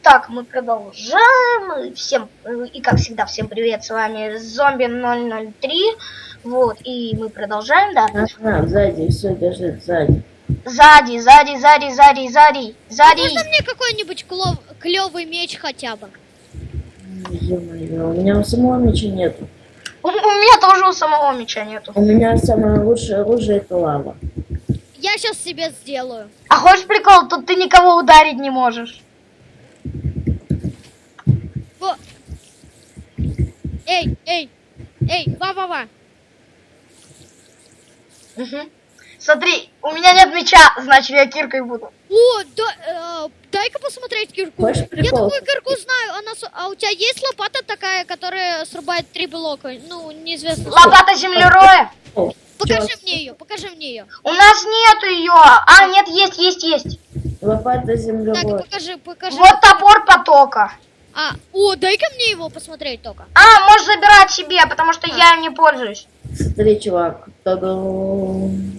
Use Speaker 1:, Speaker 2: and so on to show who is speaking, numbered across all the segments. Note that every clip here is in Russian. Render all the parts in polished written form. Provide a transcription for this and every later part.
Speaker 1: Так, мы продолжаем. Всем, и как всегда, всем привет, с вами Зомби 003. Вот, и мы продолжаем, да?
Speaker 2: Сзади, все бежит, сзади.
Speaker 1: Сзади.
Speaker 3: Можно мне какой-нибудь клевый меч хотя бы?
Speaker 2: Ё-моё, у меня у самого меча нету.
Speaker 1: У меня тоже у самого меча нету.
Speaker 2: У меня самое лучшее оружие это лава.
Speaker 3: Я сейчас себе сделаю.
Speaker 1: А хочешь прикол, тут ты никого ударить не можешь.
Speaker 3: Эй, ва-ва-ва.
Speaker 1: Угу. Смотри, у меня нет меча, значит я киркой буду.
Speaker 3: О, дай-ка посмотреть кирку.
Speaker 2: Хочешь
Speaker 3: Я
Speaker 2: прикол?
Speaker 3: такую кирку знаю. А у тебя есть лопата такая, которая срубает 3 блока? Ну, неизвестно.
Speaker 1: Лопата землероя?
Speaker 3: Покажи мне ее.
Speaker 1: У нас нету ее. А, нет, есть.
Speaker 2: Лопата
Speaker 3: Так,
Speaker 2: землевой.
Speaker 3: покажи.
Speaker 1: Вот топор потока.
Speaker 3: Дай-ка мне его посмотреть только.
Speaker 1: А, можешь забирать себе, потому что я им не пользуюсь.
Speaker 2: Смотри, чувак. Та-дам.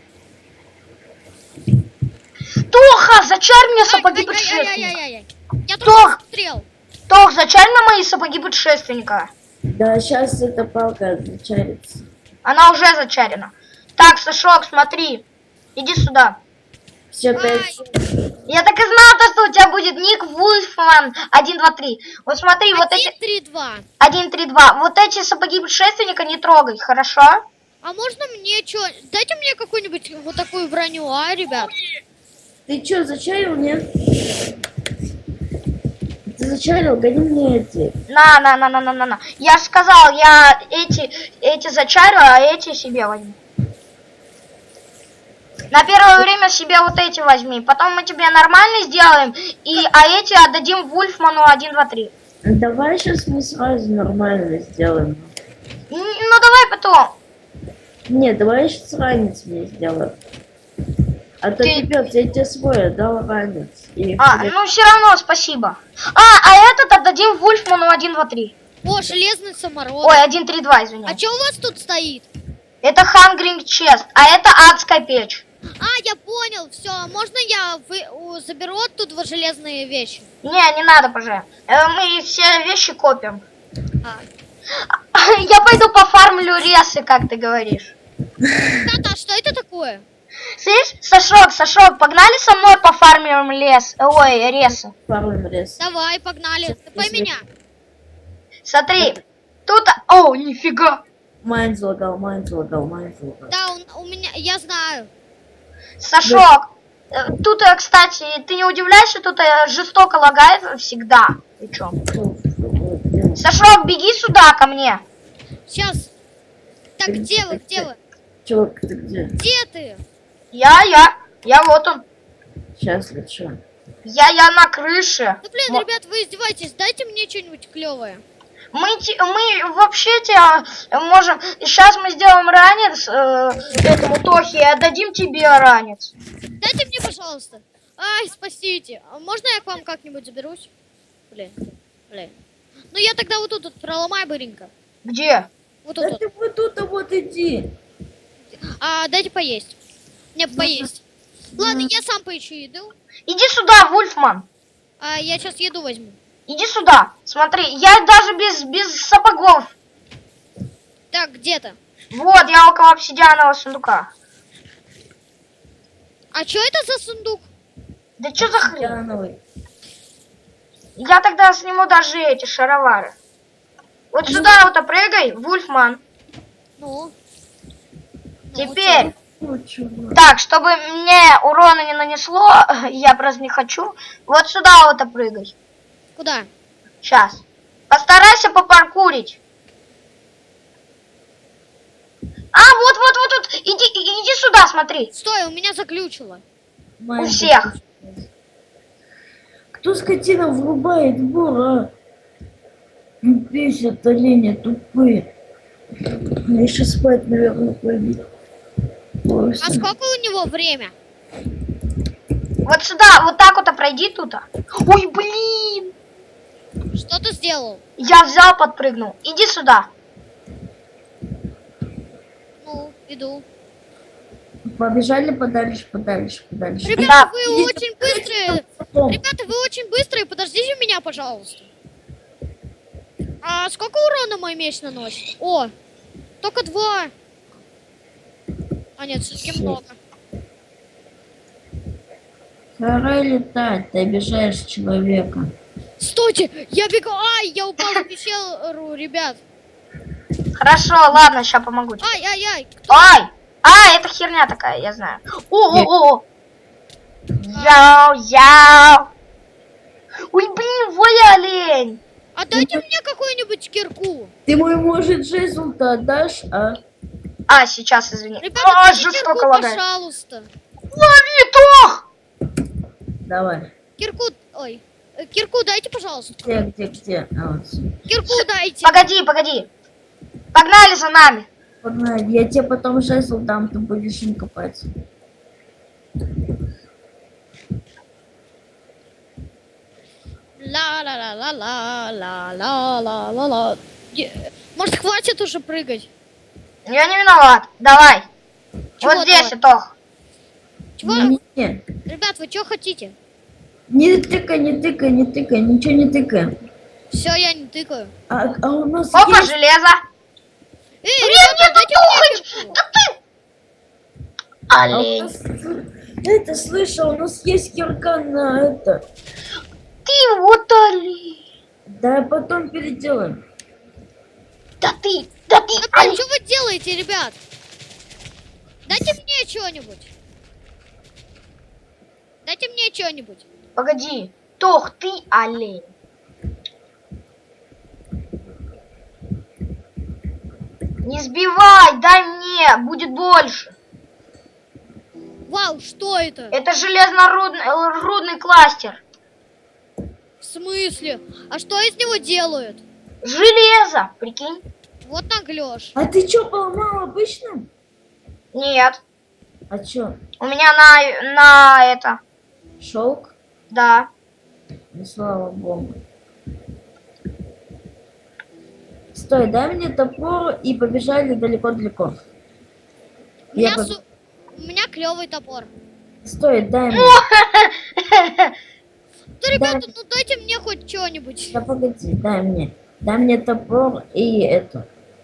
Speaker 1: Тоха, зачарь мне сапоги путешественника.
Speaker 3: Ай-яй-яй-яй-яй. Я
Speaker 1: Тох!
Speaker 3: только смотрел.
Speaker 1: Тох, зачарь на мои сапоги путешественника.
Speaker 2: Да, сейчас эта палка зачарится.
Speaker 1: Она уже зачарена. Так, Сашок, смотри. Иди сюда.
Speaker 2: Все,
Speaker 3: Ай.
Speaker 2: 5.
Speaker 1: Я так и знала, что у тебя будет ник Вульфман 1, 2, 3. Вот смотри, вот эти...
Speaker 3: 1-3-2.
Speaker 1: 1, 3, 2. Вот эти сапоги путешественника не трогай, хорошо?
Speaker 3: А можно мне что? Дайте мне какую-нибудь вот такую броню, ребят?
Speaker 2: Ты что, зачарил, нет? Ты зачарил? Гони мне эти.
Speaker 1: На. Я же сказал, я эти зачарю, а эти себе возьму. На первое время себе вот эти возьми. Потом мы тебе нормально сделаем, а эти отдадим Вульфману 1, 2, 3.
Speaker 2: Давай сейчас мы сразу нормально сделаем.
Speaker 1: Ну давай потом.
Speaker 2: Нет, давай сейчас ранец мне сделаем. А то пипец, я тебе свой отдал ранец.
Speaker 1: Ну все равно спасибо. А этот отдадим Вульфману 1, 2, 3.
Speaker 3: О, железный самород.
Speaker 1: Ой, 1, 3, 2, извиняюсь.
Speaker 3: А что у вас тут стоит?
Speaker 1: Это Hungering Chest, а это адская печь.
Speaker 3: Я понял, все. Можно я заберу оттуда железные вещи?
Speaker 1: Не надо, пожалуйста. Мы все вещи копим.
Speaker 3: А.
Speaker 1: Я пойду пофармлю ресы, как ты говоришь.
Speaker 3: Тата, что это такое?
Speaker 1: Слышь, Сашок, погнали со мной пофармим ресы.
Speaker 2: Фармим рез.
Speaker 3: Давай, погнали. Ты меня.
Speaker 1: Смотри, тут... О, нифига.
Speaker 2: Майн залагал.
Speaker 3: Да, у меня, я знаю.
Speaker 1: Сашок, тут, кстати, ты не удивляешься, тут жестоко лагает всегда. Ты чё? Сашок, беги сюда ко мне.
Speaker 3: Сейчас. Так, где вы?
Speaker 2: Чувак, ты где?
Speaker 3: Где ты?
Speaker 1: Я вот он.
Speaker 2: Сейчас лечу.
Speaker 1: Я на крыше.
Speaker 3: Ну, блин, ребят, вы издеваетесь. Дайте мне что-нибудь клевое.
Speaker 1: Мы вообще тебя можем... Сейчас мы сделаем ранец этому Тохе и отдадим тебе ранец.
Speaker 3: Дайте мне, пожалуйста. Спасите. А можно я к вам как-нибудь заберусь? Блин. Ну, я тогда вот тут проломай быренько.
Speaker 1: Где?
Speaker 3: Вот
Speaker 2: Да
Speaker 3: тут.
Speaker 2: ты вот тут, вот иди.
Speaker 3: Дайте поесть. Мне поесть. Ладно, я сам поищу еду.
Speaker 1: Иди сюда, Вульфман.
Speaker 3: Я сейчас еду возьму.
Speaker 1: Иди сюда. Смотри, я даже без сапогов.
Speaker 3: Так, где-то.
Speaker 1: Вот, я около обсидианового сундука.
Speaker 3: А что это за сундук?
Speaker 1: Да что за хрень?
Speaker 2: Обсидиановый.
Speaker 1: Я тогда сниму даже эти шаровары. Вот сюда вот прыгай, Вульфман.
Speaker 3: Ну.
Speaker 1: Теперь...
Speaker 2: Ну, чувак.
Speaker 1: Так, чтобы мне урона не нанесло, я просто не хочу. Вот сюда вот прыгай.
Speaker 3: Куда?
Speaker 1: Сейчас. Постарайся попаркурить. Вот. Иди сюда, смотри.
Speaker 3: Стой, у меня заглючило.
Speaker 2: Майн
Speaker 1: У всех.
Speaker 2: Кто скотина врубает бур, а? Бесит олени тупые. Мне сейчас спать, наверное, пойду.
Speaker 3: А сколько у него время?
Speaker 1: Вот сюда, вот так вот пройди тут. Ой, блин.
Speaker 3: Что ты сделал?
Speaker 1: Я взял, подпрыгнул. Иди сюда.
Speaker 3: Ну, иду.
Speaker 2: Побежали подальше.
Speaker 3: Ребята,
Speaker 1: Да.
Speaker 3: вы очень быстрые.
Speaker 2: Том.
Speaker 3: Ребята, вы очень быстрые, подождите меня, пожалуйста. А сколько урона мой меч наносит? О, только 2. А нет, все-таки
Speaker 2: Шесть.
Speaker 3: много.
Speaker 2: Пора летать, ты обижаешь человека.
Speaker 3: Стойте, я бегу. Ай, я упал в пещеру, ребят.
Speaker 1: Хорошо, ладно, сейчас помогу тебе.
Speaker 3: Ай.
Speaker 1: Ай! Это херня такая, я знаю. О! Яу! Ой, блин, воля олень!
Speaker 3: А дайте мне какую-нибудь кирку.
Speaker 2: Ты мой, может, жезл-то отдашь, а?
Speaker 1: Сейчас, извини.
Speaker 3: Ребята, дайте
Speaker 1: жестоко
Speaker 3: кирку,
Speaker 1: лагает.
Speaker 3: пожалуйста.
Speaker 1: Лови, Тох!
Speaker 2: Давай.
Speaker 3: Кирку, ой. Кирку дайте, пожалуйста.
Speaker 2: Где? А, вот.
Speaker 3: Кирку дайте.
Speaker 1: Погоди. Погнали за нами.
Speaker 2: Погнали, я тебе потом жезл дам, ты будешь им копать.
Speaker 3: Ла-ла-ла-ла-ла-ла-ла-ла-ла. Может, хватит уже прыгать?
Speaker 1: Я не виноват. Давай.
Speaker 3: Чего
Speaker 1: Вот здесь,
Speaker 3: давай?
Speaker 1: Тох.
Speaker 3: Чего?
Speaker 2: Не.
Speaker 3: Ребят, вы что хотите?
Speaker 2: Не тыкай, ничего не тыкай.
Speaker 3: Все, я не тыкаю.
Speaker 2: А у нас
Speaker 1: Опа,
Speaker 2: есть...
Speaker 1: железо.
Speaker 3: Ребята, дайте мне кирку.
Speaker 1: Да ты...
Speaker 2: А у
Speaker 1: Олень.
Speaker 2: нас... Это, слышал, у нас есть кирка на это.
Speaker 1: Ты вот олень.
Speaker 2: Да, потом переделаем.
Speaker 1: Да ты
Speaker 3: Да блин,
Speaker 1: олень.
Speaker 3: что вы делаете, ребят? Дайте мне что-нибудь. Дайте мне что-нибудь.
Speaker 1: Погоди. Тох, ты олень. Не сбивай, дай мне, будет больше.
Speaker 3: Вау, что это?
Speaker 1: Это железнорудный кластер.
Speaker 3: В смысле? А что из него делают?
Speaker 1: Железо, прикинь?
Speaker 3: Вот наглёшь.
Speaker 2: А ты чё, поломал обычным?
Speaker 1: Нет.
Speaker 2: А чё,
Speaker 1: У меня на это.
Speaker 2: шелк?
Speaker 1: Да.
Speaker 2: Ну, слава богу. Стой, дай мне топор и побежали далеко-далеко.
Speaker 3: У меня,
Speaker 2: Я
Speaker 3: у меня клевый топор.
Speaker 2: Стой, дай мне.
Speaker 3: Да, ребята, ну дайте мне хоть что-нибудь.
Speaker 2: Да погоди, дай мне. Дай мне топор и это.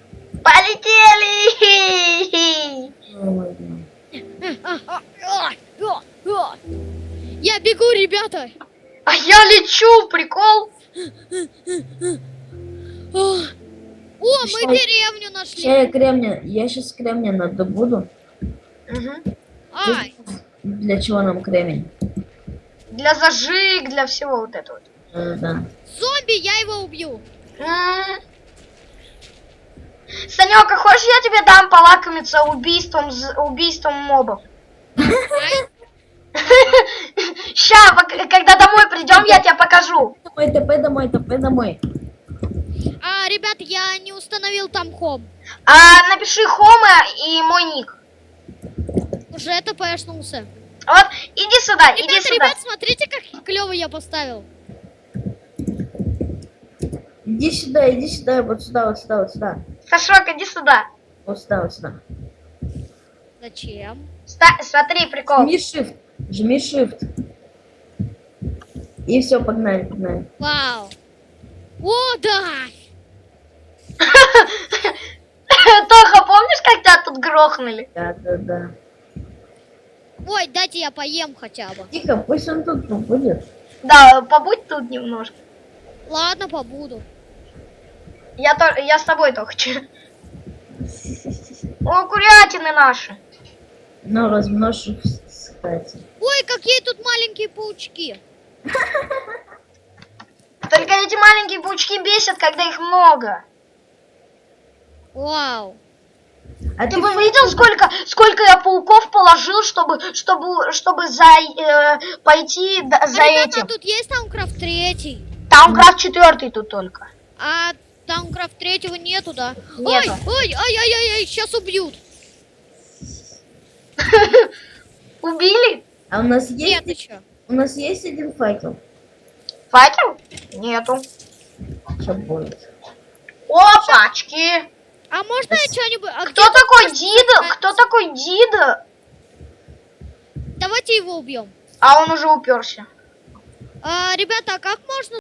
Speaker 1: Полетели!
Speaker 2: Ой,
Speaker 3: Я бегу, ребята.
Speaker 1: А я лечу, прикол.
Speaker 3: О, мы
Speaker 2: Ща-
Speaker 3: деревню нашли.
Speaker 2: Я сейчас кремня надобуду.
Speaker 1: Мгм.
Speaker 3: Ай,
Speaker 2: Для чего нам кремень?
Speaker 1: Для зажиг, для всего вот этого.
Speaker 2: Да.
Speaker 3: зомби, я его убью.
Speaker 1: Санёк, а хочешь я тебе дам полакомиться убийством мобов? Ща, когда домой придем, я тебе покажу.
Speaker 2: Домой.
Speaker 3: А, ребят, я не установил там хом.
Speaker 1: Напиши Хома и мой ник.
Speaker 3: Уже это пояснулся.
Speaker 1: Вот, иди сюда, иди сюда.
Speaker 3: Ребят, смотрите, как клево я поставил.
Speaker 2: Иди сюда, вот сюда.
Speaker 1: Сашок, иди сюда.
Speaker 2: Вот сюда.
Speaker 3: Зачем?
Speaker 1: Смотри, прикол.
Speaker 2: Жми shift. И все, погнали.
Speaker 3: Вау. О, да.
Speaker 1: Тоха, помнишь, как тебя тут грохнули?
Speaker 2: Да.
Speaker 3: Ой, дайте я поем хотя бы.
Speaker 2: Тихо, пусть он тут побудет.
Speaker 1: Да, побудь тут немножко.
Speaker 3: Ладно, побуду.
Speaker 1: Я с тобой только. О, курятины наши.
Speaker 2: Но размножь их, кстати.
Speaker 3: Ой, какие тут маленькие паучки.
Speaker 1: Только эти маленькие паучки бесят, когда их много.
Speaker 3: Вау.
Speaker 2: А
Speaker 1: Ты бы видел, сколько я пауков положил, чтобы пойти за
Speaker 3: Ребята,
Speaker 1: этим?
Speaker 3: тут есть Таумкрафт 3?
Speaker 1: Таумкрафт 4 тут только.
Speaker 3: А Таумкрафт 3 нету, да?
Speaker 1: Нету.
Speaker 3: Ой, ай, сейчас убьют.
Speaker 1: Убили?
Speaker 2: у нас
Speaker 3: Нет,
Speaker 2: есть,
Speaker 3: еще.
Speaker 2: у нас есть один факел.
Speaker 1: Факел? Нету.
Speaker 2: Что будет?
Speaker 1: Опачки!
Speaker 3: А можно я что-нибудь...
Speaker 1: Кто такой Дида? Кто такой Дида?
Speaker 3: Давайте его убьем.
Speaker 1: А он уже уперся.
Speaker 3: Ребята, а как можно